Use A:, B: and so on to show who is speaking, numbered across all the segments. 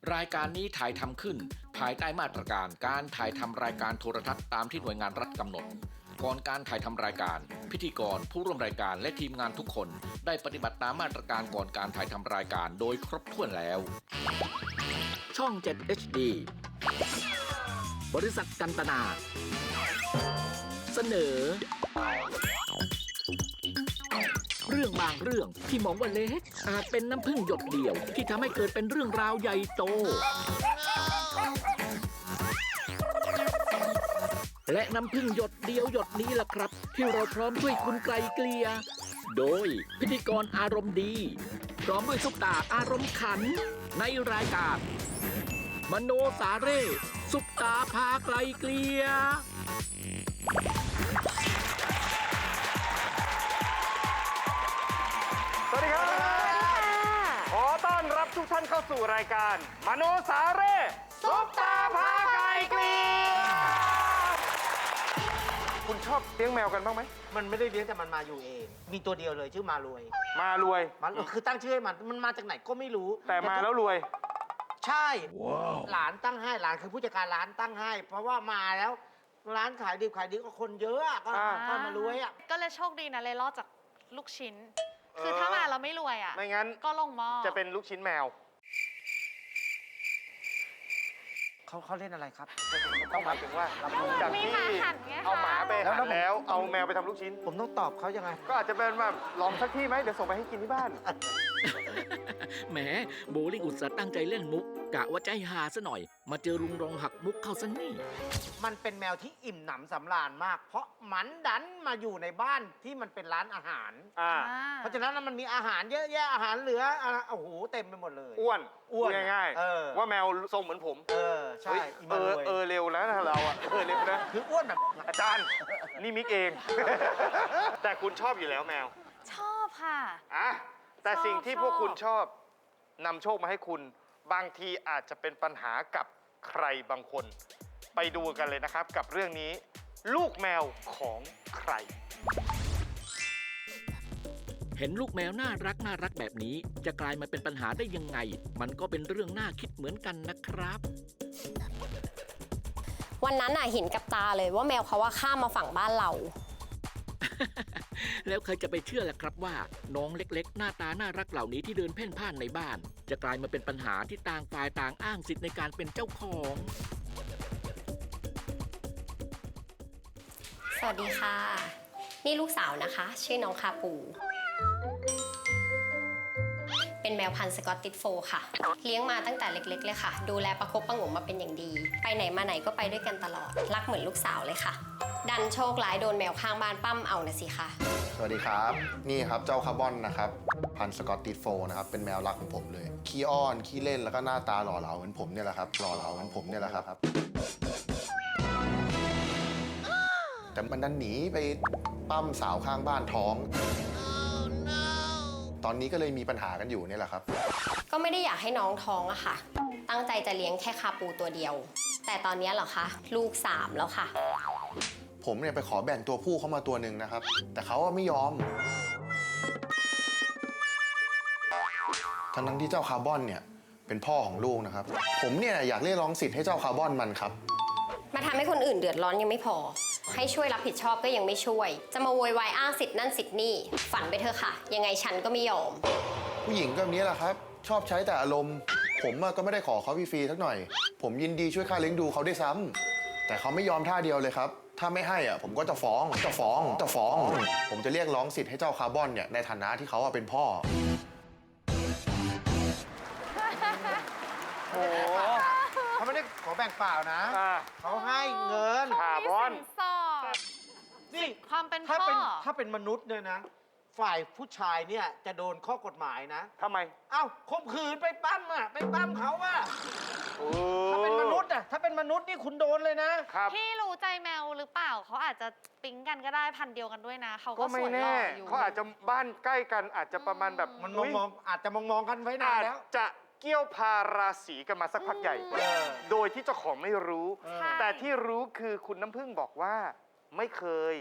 A: รายการนี้ถ่ายทำขึ้นภายใต้มาตรการการถ่ายทำรายการโทรทัศน์ตามที่หน่วยงานรัฐกำหนดก่อนการถ่ายทำรายการพิธีกรผู้ร่วมรายการและทีมงานทุกคนได้ปฏิบัติตามมาตรการก่อนการถ่ายทำรายการโดยครบถ้วนแล้วช่อง 7 HD บริษัทกันตนา เสนอเรื่องบางเรื่องที่มองว่าเล็กอาจเป็นน้ำผึ้งหยดเดียวที่ทำให้เกิดเป็นเรื่องราวใหญ่โตและน้ำผึ้งหยดเดียวหยดนี้ล่ะครับที่เราพร้อมด้วยคุณไกลเกลียโดยพิธีกรอารมณ์ดีพร้อมด้วยซุปตาอารมณ์ขันในรายการมโนสาเร่ซุปตาพาไกลเกลีย
B: สวัสดีครับขอต้อนรับทุกท่านเข้าสู่รายการมโนสาเร่ซุปตาพาไก่เกลียคุณชอบเลี้ยงแมวกันบ้างไหม
C: มันไม่ได้เลี้ยงแต่มันมาอยู่เองมีตัวเดียวเลยชื่อมารวยคือตั้งชื่อให้มันมาจากไหนก็ไม่รู้
B: แต่มาแล้วรวย
C: ใช่หลานตั้งให้หลานคือผู้จัดการร้านตั้งให้เพราะว่ามาแล้วร้านขายดีก็คนเยอะก็มารวยอ่ะ
D: ก็เลยโชคดีนะเลยรอดจากลูกชิ้นคือถ้ามาเราไม่รวยอ่ะ
B: ไม่งั้น
D: ก็ลงหม้อ
B: จะเป็นลูกชิ้นแมว
C: เขาเล่นอะไรครับ
B: ต้องหมายถึงว่าจากที่เอาหมาไปหั่นแล้วเอาแมวไปทำลูกชิ้น
C: ผมต้องตอบเขายังไง
B: ก็อาจจะเป็นแบบลองสักที่ไหมเดี๋ยวส่งไปให้กินที่บ้าน
A: แหมโบลิ่งอุตส่าห์ตั้งใจเล่นมุกกะว่าใจหาซะหน่อยมาเจอลุงรองหักมุกเข้าซะนี่
C: มันเป็นแมวที่อิ่มหนำสำราญมากเพราะมันดันมาอยู่ในบ้านที่มันเป็นร้านอาหารเพราะฉะนั้นมันมีอาหารเยอะแยะอาหารเหลือโอ้โหเต็มไปหมดเลย
B: อ้วนง่ายๆว่าแมวทรงเหมือนผม
C: ใช่
B: เร็วนะเราอ่ะเร็วนะ
C: คืออ้วนแบบ
B: อาจารย์นี่มิกเองแต่คุณชอบอยู่แล้วแมว
D: ชอบค่ะ
B: แต่สิ่งที่พวกคุณชอบนำโชคมาให้คุณบางทีอาจจะเป็นปัญหากับใครบางคนไปดูกันเลยนะครับกับเรื่องนี้ลูกแมวของใคร
A: เห็นลูกแมวน่ารักแบบนี้จะกลายมาเป็นปัญหาได้ยังไงมันก็เป็นเรื่องน่าคิดเหมือนกันนะครับ
E: วันนั้นเห็นกับตาเลยว่าแมวเขาข้ามมาฝั่งบ้านเรา
A: แล้วใครจะไปเชื่อล่ะครับว่าน้องเล็กๆหน้าตาน่ารักเหล่านี้ที่เดินเพ่นพ่านในบ้านจะกลายมาเป็นปัญหาที่ต่างฝ่ายต่างอ้างสิทธิ์ในการเป็นเจ้าของ
E: สวัสดีค่ะนี่ลูกสาวนะคะชื่อน้องคาปูเป็นแมวพันธุ์สกอตติชโฟล์ค่ะเลี้ยงมาตั้งแต่เล็กๆเลยค่ะดูแลประคบประหงมมาเป็นอย่างดีไปไหนมาไหนก็ไปด้วยกันตลอดรักเหมือนลูกสาวเลยค่ะดันโชคร้ายโดนแมวข้างบ้านปั้มเอานะสิคะ
F: สวัสดีครับนี่ครับเจ้าคาร์บอนนะครับพันธุ์สกอตติชโฟล์นะครับเป็นแมวรักของผมเลยขี้อ้อนขี้เล่นแล้วก็หน้าตาหล่อเหลาเหมือนผมเนี่ยแหละครับแต่มันดันหนีไปปั้มสาวข้างบ้านท้องตอนนี้ก็เลยมีปัญหากันอยู่เนี่ยแหละครับ
E: ก็ไม่ได้อยากให้น้องท้องอะค่ะตั้งใจจะเลี้ยงแค่คาปูตัวเดียวแต่ตอนนี้เหรอคะลูก3แล้วค่ะ
F: ผมเนี่ยไปขอแบ่งตัวผู้เข้ามาตัวหนึ่งนะครับแต่เขาไม่ยอมทั้งที่เจ้าคาร์บอนเนี่ยเป็นพ่อของลูกนะครับผมเนี่ยอยากเรียกร้องสิทธิ์ให้เจ้าคาร์บอนมันครับ
E: มาทำให้คนอื่นเดือดร้อนยังไม่พอให้ช่วยรับผิดชอบก็ยังไม่ช่วยจะมาโวยวายอ้างสิทธิ์นั่นสิทธิ์นี่ฝันไปเถอะค่ะยังไงฉันก็ไม่ยอม
F: ผู้หญิงก็แบบนี้แหละครับชอบใช้แต่อารมณ์ผมก็ไม่ได้ขอเขาฟรีๆสักหน่อยผมยินดีช่วยค่าเลี้ยงดูเขาได้ซ้ำแต่เขาไม่ยอมท่าเดียวเลยครับถ้าไม่ให้ผมก็จะฟ้องผมจะเรียกร้องสิทธิ์ให้เจ้าคาร์บอนเนี่ยในฐานะที่เขาเป็นพ่อ
C: โอ้เขาไม่ได้ขอแบ่งเปล่านะเขาให้เงิน
D: คาร์บอนนี่ความเป็นพ่อ
C: ถ้าเป็นมนุษย์เนี่ยนะฝ่ายผู้ชายเนี่ยจะโดนข้อกฎหมายนะ
B: ทำไม
C: ข่มขืนไปปั้มเขาถ้าเป็นมนุษย์นี่คุณโดนเลยนะ
D: พี่รู้ใจแมวหรือเปล่าเขาอาจจะปิ๊งกันก็ได้พันเดียวกันด้วยนะเขาก็
B: ไม่แน่เขาอาจจะบ้านใกล้กันอาจจะประมาณแบบ
C: มันมองอาจจะมองกันไว้นานแล้ว
B: จะเกี่ยวพาราศีกันมาสักพักใหญ่โดยที่เจ้าของไม่รู้แต่ที่รู้คือคุณน้ำพึ่งบอกว่าไม่เคย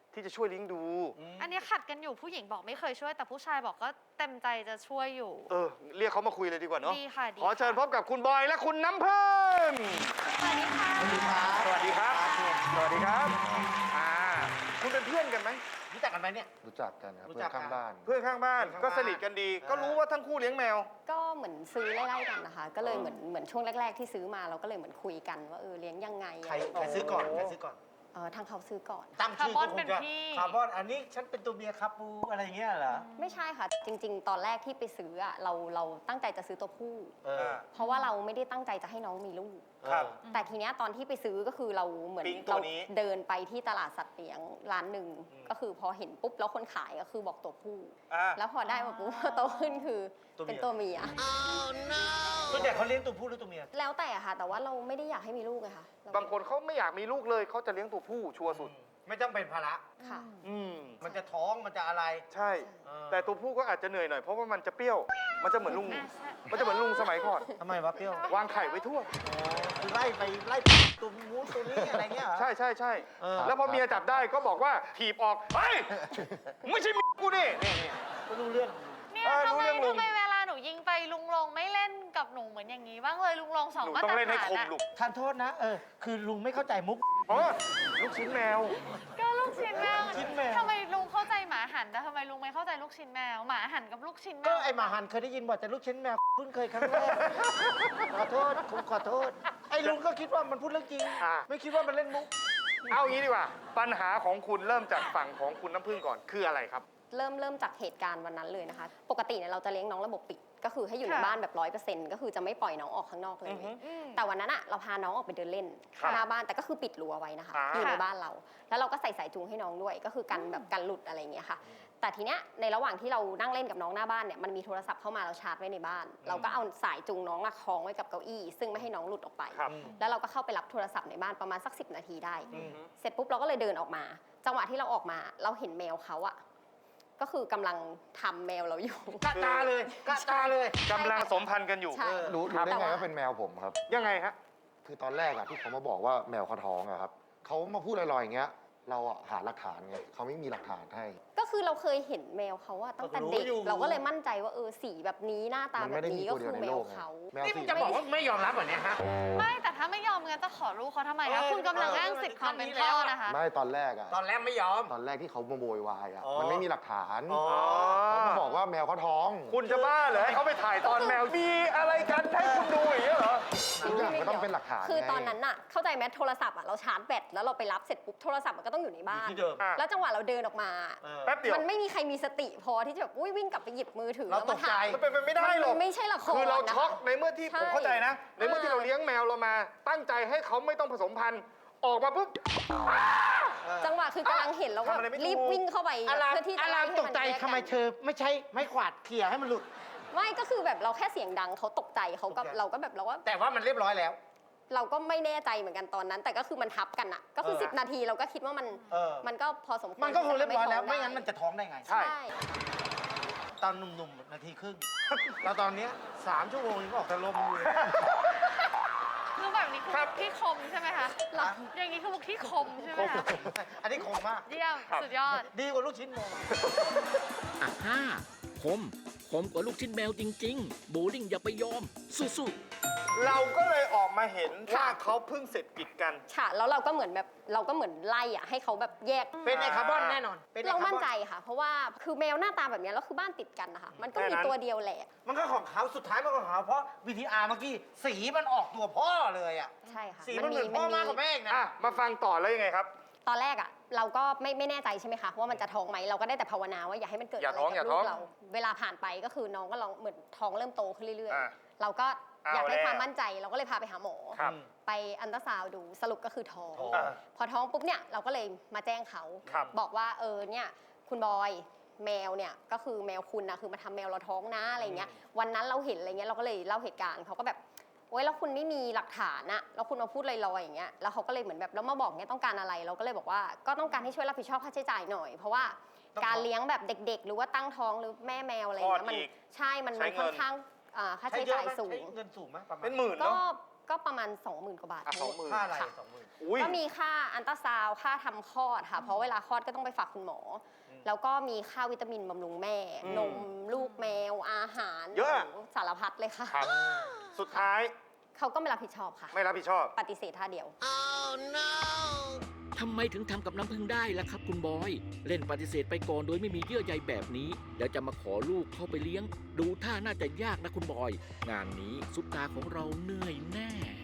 B: ที่จะช่วยเลี้ยงดู
D: อันนี้ขัดกันอยู่ผู้หญิงบอกไม่เคยช่วยแต่ผู้ชายบอกก็เต็มใจจะช่วยอยู่
B: เรียกเขามาคุยเลยดีกว่าเนาะ
D: ดีค่ะดี
B: ขอเชิญพบกับคุณบอยและคุณน้ำพึ่ง
D: สวัสดีค่ะ
B: สวัสดีครับ สวัสดีครับคุณเป็นเพื่อนกันไหม
C: รู้จักกันไหมเนี่ย
F: รู้จักกันครับ
C: รู้
F: เพื่
C: จั
F: อก น
C: กัน
F: ข้างบ้าน
B: เพื่อนข้างบ้าน
C: เพื่อนข้างบ้าน
B: ก็สนิทกันดี ก็รู้ว่าทั้งคู่เลี้ยงแมว
E: ก็เหมือนซื้อไล่ๆกันนะคะ ก็เลยเหมือนช่วงแรก ๆ ที่ซื้อมาเราก็เลยเหมือนคุยกันว่าเลี้ยงยังไง
C: ใครซื้อก่อนใครซื้อก่อน
E: ทางเขาซื้อก่อน
C: ตั้งชื่อ
D: คาร์บอน
C: ก็ค
D: เป็น
C: งจะ
D: พี่
C: คาร์บอนอันนี้ฉันเป็นตัวเมียครับปูอะไรอย่างเงี้ยเหรอ
E: ไม่ใช่ค่ะ จริง ๆ ตอนแรกที่ไปซื้ออะเราตั้งใจจะซื้อตัวผู้
C: เออ
E: เพราะว่าเราไม่ได้ตั้งใจจะให้น้องมีลูก
B: ครับ
E: แต่ทีเนี้ยตอนที่ไปซื้อก็คือเราเหมือน
B: ปิ๊งตั
E: เรา
B: วนี้
E: เดินไปที่ตลาดสัตว์เลี้ยงร้านหนึ่งก็คือพอเห็นปุ๊บแล้วคนขายก็คือบอกตัวผู้ แล้วพอได้มาปุ๊บ โตขึ้นคือเป็นตัวเมีย
C: ส่วนใหญ่เขาเลี้ยงตัวผู้หรือตัวเมีย
E: แล้วแต่อะค่ะ แต่ว่าเราไม่ได้อยากให้มีลูกไงคะเร
B: บางคนเขาไม่อยากมีลูกเลยเขาจะเลี้ยงตัวผู้ชัวร์สุด
C: ไม่ต้องเป็นภาระ
E: ค่ะ
C: มันจะท้องมันจะอะไร
B: ใช่
C: เออ
B: แต่ตัวผู้ก็อาจจะเหนื่อยหน่อยเพราะว่ามันจะเปรี้ยว มันจะเหมือนลุง
D: อ่ะใช่
B: มันจะเหมือนลุงสมัยก่อน
C: ทำไมวะเปรี้ยว
B: วางไข่ไว้ทั่ว
C: คือไล่ตัวมูนตัวนี้อะไรเงี้ยเหรอ
B: ใช่ใช่ใช่
C: เออ
B: แล้วพอเมียจับได้ก็บอกว่าถีบออก เฮ้ย ไม่ใช่เมียกูนี่
C: ไม่รู้เรื่อง
D: เนี่ย
B: รู้เรื่องลุง
D: ทำไมเวลาหนูยิงไปลุงลงไม่เล่นกับหนูเหมือนอย่างนี้บ้างเลยลุงลงสอง
B: หนู
D: มา
B: ต้อ
D: ตรง
B: เล่นให้
D: ฐาน
B: คม
D: อะ
B: ลูก
C: ทานโทษนะ คือลุงไม่เข้าใจมุก
B: อ๋อลูกชิ้นแมว
D: ก็ลูกชิ้นแมว
C: ชิ้นแมว
D: ทำไมลุงเข้าใจหมาหันแต่ทำไมลุงไม่เข้าใจลูกชิ้นแมวหมาหันกับลูกชิ้นแม
C: ก็
D: ว
C: ไอหมาหันเคยได้ยินบ่อยแต่ลูกชิ้นแมวเพิ่งเคยครั้งแรก ขอโทษผมขอโทษ ไอ้ลุงก็คิดว่ามันพูดเรื่องจริง
B: อ่ะ
C: ไม่คิดว่ามันเล่นมุก
B: เอางี้ดีกว่า ปัญหาของคุณเริ่มจากฝั่งของคุณน้ำพึ่งก่อน คืออะไรครับ
E: เริ่มจากเหตุการณ์วันนั้นเลยนะคะ ปกติเนี่ยเราจะเลี้ยงน้องระบบปิด ก็คือให้อยู่ใน
D: ค่ะ
E: บ้านแบบ100%ก็คือจะไม่ปล่อยน้องออกข้างนอกเลย
D: อืม
E: แต่วันนั้นอะเราพาน้องออกไปเดินเล่น
B: ครับ
E: หน้าบ้านแต่ก็คือปิดรั้วไว้นะคะ
B: อ่า
E: อยู่ใน
D: ค่ะ
E: บ้านเรา แล้วเราก็ใส่สายจูงให้น้องด้วย ก็คือกันแบบกันหลุดอะไรอย่างเงี้ยค่ะ แต่ทีเนี้ยในระหว่างที่เรานั่งเล่นกับน้องหน้าบ้านเนี่ยมันมีโทรศัพท์เข้ามาเราชาร์จไว้ในบ้าน เราก็เอาสายจูงน้องอะคล้องไว้กับเก้าอี้ ซึ่งไม่ให้น้องหลุดออกไป
B: ครับ
E: แล้วเราก็เข้าไปรับโทรศัพท์ในบ้านประมาณสัก10 นาทีได้ เสร็จปุ๊บเราก็เลยเดินออกมา จังหวะที่เราออกมาเราเห็นแมวเขาอะก็คือกำลังทำแมวเราอยู่
C: กะตาเลยกะตาเลย
B: กำลังสมพันธ์กันอยู่
E: ใช่
F: รู้
E: ครับ
F: ได้
E: แต่
F: ไง
E: ว่า
F: ว่าเป็นแมวผมครับ
B: ยังไงฮะ
F: คือตอนแรกอะที่เขามาบอกว่าแมวเขาท้องอะครับเขามาพูดลอยๆอย่างเงี้ย เราอะหาหลักฐานไงเขาไม่มีหลักฐานให้
E: ก็คือเราเคยเห็นแมวเขาอะตั้งแต่เด็ก เราก็เลยมั่นใจว่าสีแบบนี้หน้าตา
F: มัน
E: แบ
F: ไม่
E: บ
F: ได้มี
E: นี้ก็
F: ตัวเดี
E: คื
F: ยว
E: อ
F: ใน
E: แม
F: โล
E: ว
F: กไง
E: เขา
F: แมว
C: นี่มึ
F: สี
C: งจะบอกว่าไม่ยอมรับเหรอเนี่ยฮะ
D: ไม่แต่ถ้าไม่ยอมงั้นจะขอลูกเขาทำไมคะ
C: เออ
D: คุณกำลังอ้างสิทธิ์ความเป็นพ่อนะคะ
F: ไม่ตอนแรกอะ
C: ตอนแรกไม่ยอม
F: ตอนแรกที่เขามาโวยวายอะ
C: อ๋อ
F: มันไม่มีหลักฐาน
C: อ๋อ
F: เขามาบอกว่าแมวเขาท้อง
B: คุณจะบ้าเหรอให้เขาไปถ่ายตอนแมว มีอะไรกันให้คุณดูอย่างเงี้ยเหรอ
F: ทุกอย่างก็ต้องเป็นหลักฐาน
E: คือ
F: ไง
E: ตอนนั้นน่ะเข้าใจไหมโทรศัพท์อะเราชาร์จแบตแล้วเราไปรับเสร็จปุ๊บโทรศัพท์มันก็ต้องอยู่ในบ้าน
C: อยู่ที่เดิม
B: อ่ะ
E: แล้วจังหวะเราเดินออกมา
B: แป๊บเดียว
E: มันไม่มีใครมีสติพอที่จะแบบวิ่งกลับไปหยิบมือถือ
C: เรา
E: แล้วมา
C: ตกใจ
E: ถ่าย
B: มันเป็นไปไม่ได้หรอก
E: มันไม่ใช่ละคร
B: คือเรา
E: นะคะ
B: ช็อกในเมื่อที่
E: ใช่
B: ผมเข้าใจนะ ในเมื่อที่เราเลี้ยงแมวเรามา ตั้งใจให้เขาไม่ต้องผสมพันธุ์ ออกมาปุ๊บ
E: จังหวะคือกำลังเห็นแล้วก็
B: ทำอะไรไม่ถูก
E: รีบวิ่งเข้าไป
C: อาราม
E: เพื่อที่จะ
C: อาราม
E: ให้
C: ตกใจ
E: นแย
C: ทำไม
E: กัน
C: เธอไม่ใช้ไม้กวาดเขี่ยให้มันหลุด
E: ไม่ก็คือแบบเราแค่เสียงดังเขาตกใจเขาก็
C: ตกใจ
E: เราก็แบบเราก็
C: แต่ว่ามันเรียบร้อยแล้ว
E: เราก็ไม่แน่ใจเหมือนกันตอนนั้น แต่ก็คือมันทับกันอะก็คือ
C: เออ
E: 10 นาทีเราก็คิดว่ามัน
C: เออ
E: มันก็พอสมควร
C: มันก็คงเรียบร้อยแล้ว
E: ที่จะ
C: ไม่งั้นมันจะท้องได้ไง
B: ใช่
E: ใช่
C: ตอนหนุ่มๆนาทีครึ่ง แล้วตอนเนี้ย3 ชั่วโมงยังออกแต่ลมอยู่เลย
D: คือแบบนี้คือ
B: ครับ
D: ที่คมใช่ไหมคะ
C: ครับ
D: อย่างนี้คือมุกที่คมใช่ไหมคะ
C: อันนี้คงมาก
D: เยี่ยมสุดยอด
C: ดีกว่าลูกชิ้นแมว
A: อ่ะฮ่าคมกว่าลูกชิ้นแมวจริง ๆ โบลิ่งอย่าไปยอม สู้ๆ
B: เราก็เลยออกมาเห็นว่าเขาเพิ่งเสร็จกิจกัน
E: ค่ะแล้วเราก็เหมือนแบบเราก็เหมือนไล่อะให้เขาแบบแยก
C: เป็นไอคาร์บอนแน่นอนเป็นไอ
E: เรา
C: คาร์บ
E: มั่น
C: อน
E: ใจค่ะ เพราะว่าคือแมวหน้าตาแบบเนี้ยแล้วคือบ้านติดกันนะคะมันก็
B: แค่
E: มี
B: นั้น
E: ตัวเดียวแหละ
C: มันก็ของเขาสุดท้ายมันก็ของเขาเพราะ VTR เมื่อกี้สีมันออกตัวพ่อเลยอ่ะ
E: ใช่ค่ะ
C: สีมันเหมือนพ่อมากกว่าแม่อีกนะ
B: อ่ะ มาฟังต่อแล้วยังไงครับ
E: ตอนแรกอะเราก็ไม่แน่ใจใช่ไหมคะว่ามันจะท้องไหมเราก็ได้แต่ภาวนาว่าอย่าให้มันเกิด
B: อย่า
E: อะไร
B: ท้อง
E: กับ
B: อย่า
E: ลู
B: ท้อง
E: กเรา เวลาผ่านไปก็คือน้องก็ลองเหมือนท้องเริ่มโตขึ้นเรื่อย
B: อ่ะ
E: ๆ เราก็อยากได้
B: เอาแล้ว
E: ความมั่นใจเราก็เลยพาไปหาหมอ
B: ครับ
E: ไปอันตราซาวด์ดูสรุปก็คือท้อง
C: อ่ะ
E: พอท้องปุ๊บเนี่ยเราก็เลยมาแจ้งเขา
B: ครับ
E: บอกว่าเนี่ยคุณบอยแมวเนี่ยก็คือแมวคุณนะคือมาทำแมวเราท้องนะอะไรเงี้ยวันนั้นเราเห็นอะไรเงี้ยเราก็เลยเล่าเหตุการณ์เขาก็แบบโอ๊ยแล้วคุณไม่มีหลักฐานอะแล้วคุณมาพูดลอยๆอย่างเงี้ยแล้วเขาก็เลยเหมือนแบบแล้วมาบอกเงี้ยต้องการอะไรเราก็เลยบอกว่าก็ต้องการให้ช่วยรับผิดชอบค่าใช้จ่ายหน่อย เพราะว่าการเลี้ยงแบบเด็ก ๆ หรือว่าตั้งท้องหรือแม่แมวอะไรเงี้ย
B: คลอด
E: มัน
B: อีก
E: ใช่มัน
B: ใช้เงิน
E: ค่อนข้างค่าใช้จ่ายสูง
C: ใช้เงินสูงไหมประมาณ
B: เป็นหมื่น
E: ก็
B: เนาะ
E: ก็ประมาณ 20,000 กว่าบาท
B: อ่ะ20,000
C: ค่าอะไร
E: ค่ะ
C: 20,000
B: อุ้ย
E: ก็มีค่าอัลตราซาวด์ค่าทำคลอดค่ะ เพราะเวลาคลอดก็ต้องไปฝากคุณหมอ แล้วก็มีค่าวิตามินบำรุงแม่ นมลูกแมวอาหาร
B: เยอะ
E: โโหสารพัดเลยค่ะ
B: ครับ สุดท้าย
E: เขาก็ไม่รับผิดชอบค่ะ
B: ไม่รับผิดชอบ
E: ปฏิเสธท่าเดียว
A: ทำไมถึงทำกับน้ำพึ่งได้ล่ะครับคุณบอย เล่นปฏิเสธไปก่อนโดยไม่มีเยื่อใยแบบนี้แล้วจะมาขอลูกเข้าไปเลี้ยง ดูท่าน่าจะยากนะคุณบอย งานนี้ซุปตาของเราเหนื่อยแน่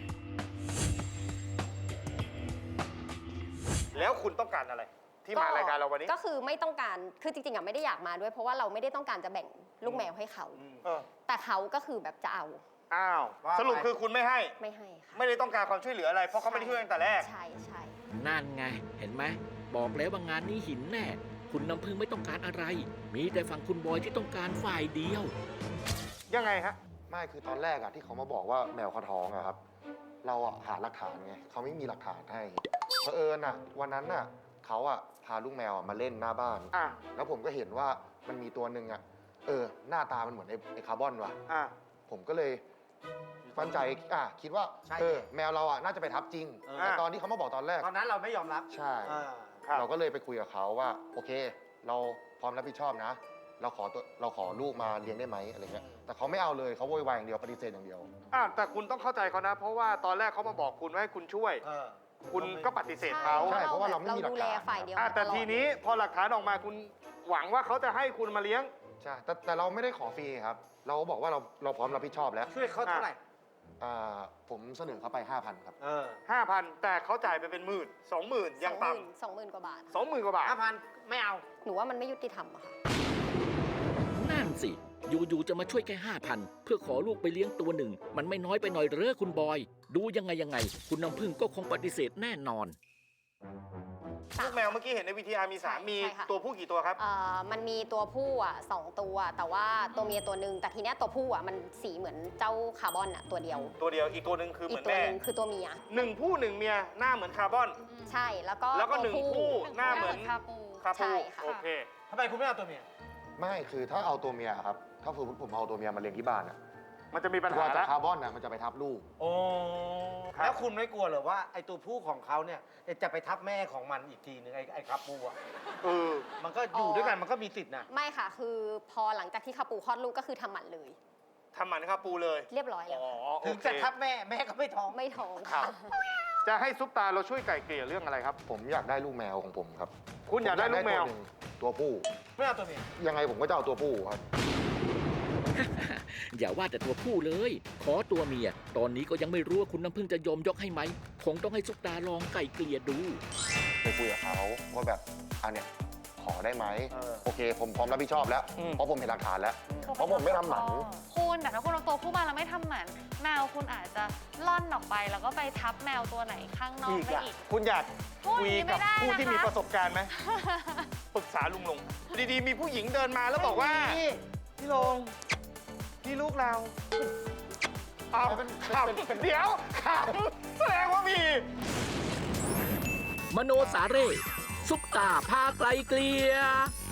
B: แล้วคุณต้องการอะไร ที่มารายการเราวันนี้
E: ก็คือไม่ต้องการ คือจริงๆอ่ะไม่ได้อยากมาด้วย เพราะว่าเราไม่ได้ต้องการจะแบ่งลูกแมวให้เขา
B: เออ
E: แต่เขาก็คือแบบจะเอา
B: อ้าว
C: ว่าไป
B: สรุปคือคุณไม่ให้
E: ไม่ให้ค่ะ
B: ไม่ได้ต้องการความช่วยเหลืออะไร เพราะเขาไม่ได้ช่วยตั้งแต่แรก
E: ใช่ใช่
A: นั่นไง เห็นไหมบอกแล้วว่างานนี้หินแน่ คุณน้ำพึ่งไม่ต้องการอะไร มีแต่ฝั่งคุณบอยที่ต้องการฝ่ายเดียว
B: ยังไงฮะ
F: ไม่คือตอนแรกอะที่เขามาบอกว่าแมวเขาท้องอะครับ เราอะหาหลักฐานไงเขาไม่มีหลักฐานให้เผอิญอะวันนั้นอะเขาอะพาลูกแมวอะมาเล่นหน้าบ้าน
B: อ่ะ
F: แล้วผมก็เห็นว่ามันมีตัวหนึ่งอะหน้าตามันเหมือนไอ้คาร์บอนว่ะ
B: อ่ะ
F: ผมก็เลยมั่นใจคิดว่า
C: ใช่
F: แมวเราอะน่าจะไปทับจริง
C: เออ
F: แต่ตอนที่เขามาบอกตอนแรก
C: ตอนนั้นเราไม่ยอมรับ
F: ใช่
C: อ่า
B: ครับ
F: เราก็เลยไปคุยกับเขาว่า โอเค เราพร้อมรับผิดชอบนะ เราขอลูกมาเลี้ยงได้ไหมอะไรเงี้ยแต่เขาไม่เอาเลยเขาโวยวายอย่างเดียวปฏิเสธอย่างเดียว
B: อ่ะแต่คุณต้องเข้าใจเขานะ เพราะว่าตอนแรกเขามาบอกคุณว่าให้คุณช่วย
C: เออ
B: คุณก็ปฏิเสธเขา
F: ใช่เพราะว่าเราไม่มีหลักฐาน
E: ดูแลฝ่ายเดียว
B: อ่ะ
E: มา
B: แต่
E: ลอด
B: ทีนี้พอหลักฐานออกมาคุณหวังว่าเขาจะให้คุณมาเลี้ยง
F: ใช่แต่เราไม่ได้ขอฟรีครับ เราบอกว่าเราพร้อมรับผิดชอบแล้ว
C: ช่วยเขาเท่าไหร่
F: ผมเสนอเขาไป 5,000 ครับ
C: เออ
B: 5,000 แต่เขาจ่ายไปเป็น20,000ยังต่
E: 20,000 กว่าบาท
B: ำ20,000 กว่าบาท
C: 5,000 ไม่เอา
E: หนูว่ามันไม่ยุติธรรมอะค่ะ
A: นั่นสิ อยู่ๆจะมาช่วยแค่ 5,000 เพื่อขอลูกไปเลี้ยงตัวหนึ่ง มันไม่น้อยไปหน่อยเหรอคุณบอย ดูยังไง คุณน้ำพึ่งก็คงปฏิเสธแน่นอน
B: ลูกแมวเมื่อกี้เห็นในวิทยามีสาม
E: ใช่
B: มี
E: ใช่ค่ะ
B: ตัวผู้กี่ตัวครับ
E: มันมีตัวผู้อ่ะ2 ตัว แต่ว่าตัวเมียตัวหนึ่งแต่ทีเนี้ยตัวผู้อ่ะมันสีเหมือนเจ้าคาร์บอนอ่ะตัวเดียว
B: ตัวเดียวอีกตัวหนึ่งคือเห
E: อี
B: มื
E: ก
B: อน
E: ตัว
B: แม่
E: หนึ่งคือตัวเมีย
B: หนึ่งผู้หนึ่งเมียหน้าเหมือนคาร์บอน
E: ใช่แล้วก็
B: แล้วก็
E: ตัว
B: หนึ่งคู่หน้าเหมือน
D: คาปู
B: คา
E: ใช่
B: ปู
E: ค่ะ
B: โอเค
C: ทำไมคุณไม่เอาตัวเมีย
F: ไม่คือถ้าเอาตัวเมียครับ ถ้าสมมติผมเอาตัวเมียมาเลี้ยงที่บ้านอะ
B: มันจะมีปัญหา
F: ว่าจา
B: แล้
F: ก
B: ว
F: คาร์บอนอะมันจะไปทับลูก
C: โอ้
B: ครับ
C: แล้วคุณไม่กลัวเหรอว่าไอ้ตัวผู้ของเขาเนี่ยจะไปทับแม่ของมันอีกทีนึงไอ้คาปูอ่ะ
B: เออ
C: มันก็อยู่ด้วยกันมันก็มีสิทธินะ
E: ไม่ค่ะ คือพอหลังจากที่คาปูคลอดลูกก็คือทำหมันเลย
B: ทำหมันคาปูเลย
E: เรียบร้อยแล้ว
B: อ๋อ
E: ค่ะ
B: โอ
C: ถึง
B: เค
C: จะทับแม่ก็ไม่ท้อง
E: ไม่ท้อง
B: ครั
E: ค่ะ
B: บ จะให้ซุปตาเราช่วยไก่เกลี่ยเรื่องอะไรครับ
F: ผมอยากได้ลูกแมวของผมครับ
B: คุณอยากได้ลูกแมว
F: ผอยาตัวผู้
C: ไม่เอาตัวเมีย
F: ยังไงผมก็จะเอาตัวผู้ครับ
A: อย่าว่าแต่ตัวผู้เลย ขอตัวเมีย ตอนนี้ก็ยังไม่รู้ว่าคุณน้ำพึ่งจะยอมยกให้ไหม คงต้องให้ซุปตาลองไก่เกลี่ยดู
F: ไปคุยกับเขาว่าแบบอันเนี้ยขอได้ไหม
C: เออ
F: โอเค ผมพร้อมรับผิดชอบแล้ว
B: อืม
F: เพราะผมเห็นหลักฐานแล้ว เพราะผมไม่ทำหมัน
D: คุณแต่ถ้าคุณเอาตัวผู้มาแล้วไม่ทำหมันแมวคุณอาจจะล่อนออกไปแล้วก็ไปทับแมวตัวไหนข้างนอก
B: อีก
D: ได้
B: อะ
D: อีก
B: คุณอยาก
D: พูด
B: คุ
D: อย ย่างนี้
B: กับ
D: ไม่ได้
B: ผู้ที่
D: นะคะ
B: มีประสบการณ์ไหม ปรึกษาลุงลง ดีๆ มีผู้หญิงเดินมาแล้วบอกว่า พี่ลง พี่ลูกเราเอาขำเดี๋ยวขำแสดงว่ามี
A: มโนสาเร่ซุปตาพาไกลเกลี่ย